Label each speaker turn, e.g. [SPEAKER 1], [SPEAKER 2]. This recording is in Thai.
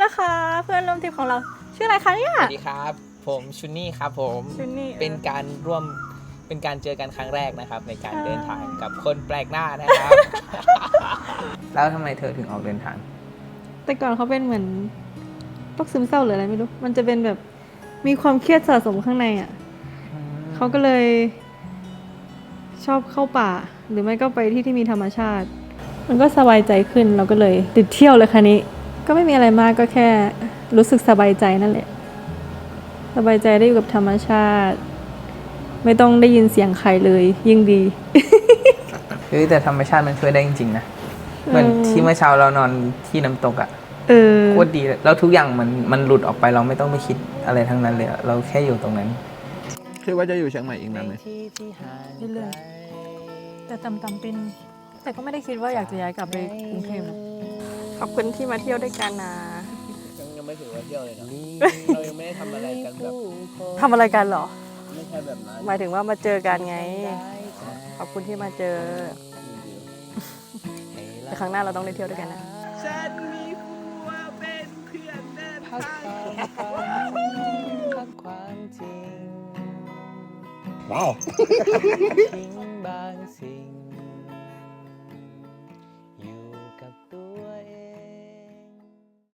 [SPEAKER 1] นะคะ เพื่อนร่วมทริปของเราชื่ออะไรคะเนี่ย
[SPEAKER 2] สวัสดีครับผมชุนนี่ครับผม
[SPEAKER 1] ชุนนี่
[SPEAKER 2] เป็นการเจอกันครั้งแรกนะครับในการเดินทางกับคนแปลกหน้านะครับ แล้วทำไมเธอถึงออกเดินทาง
[SPEAKER 1] แต่ก่อนเขาเป็นเหมือนโรคซึมเศร้าหรืออะไรไม่รู้มันจะเป็นแบบมีความเครียดสะสมข้างในอ่ะเขาก็เลยชอบเข้าป่า หรือไม่ก็ไปที่มีธรรมชาติ มันก็สบายใจขึ้นเราก็เลยติดเที่ยวเลยค่ะนี้ ก็ไม่มีอะไรมากก็แค่รู้สึกสบายใจนั่นแหละ สบายใจได้อยู่กับธรรมชาติ ไม่ต้องได้ยินเสียงใครเลยยิ่งดี
[SPEAKER 2] แต่ธรรมชาติมันช่วยได้จริงๆนะเหมือนที่เมื่อเช้าเรานอนที่น้ำตกอะโคตรดีเลยแล้วทุกอย่างมันหลุดออกไปเราไม่ต้องไปคิดอะไรทั้งนั้นเลยเราแค่อยู่ตรงนั้นคิดว่าจะอยู่เชียงใหม่อีกนานไหม
[SPEAKER 1] เรื่อยๆแต่ต่ำๆเป็นแต่ก็ไม่ได้คิดว่าอยากจะย้ายกลับไปกรุงเทพขอบคุณที่มาเที่ยวด้วยกันนะ
[SPEAKER 2] ยังไม่ถือว่าเที่ยวเลยนะ เรายังไม่ได้ทำอะไรกันแบบ
[SPEAKER 1] ทำอะไรกันเหรอ
[SPEAKER 2] ไม่ใช่แบบนั้น
[SPEAKER 1] หมายถึงว่ามาเจอกันไง ขอบคุณที่มาเจอแต่ครั้งหน้าเราต้องได้เที่ยวด้วยกันนะ
[SPEAKER 2] ฉันมีผัวเป็นเพื่อนเดินทางความจริง
[SPEAKER 3] ว้าว
[SPEAKER 2] ทิ้งบางสิ่ง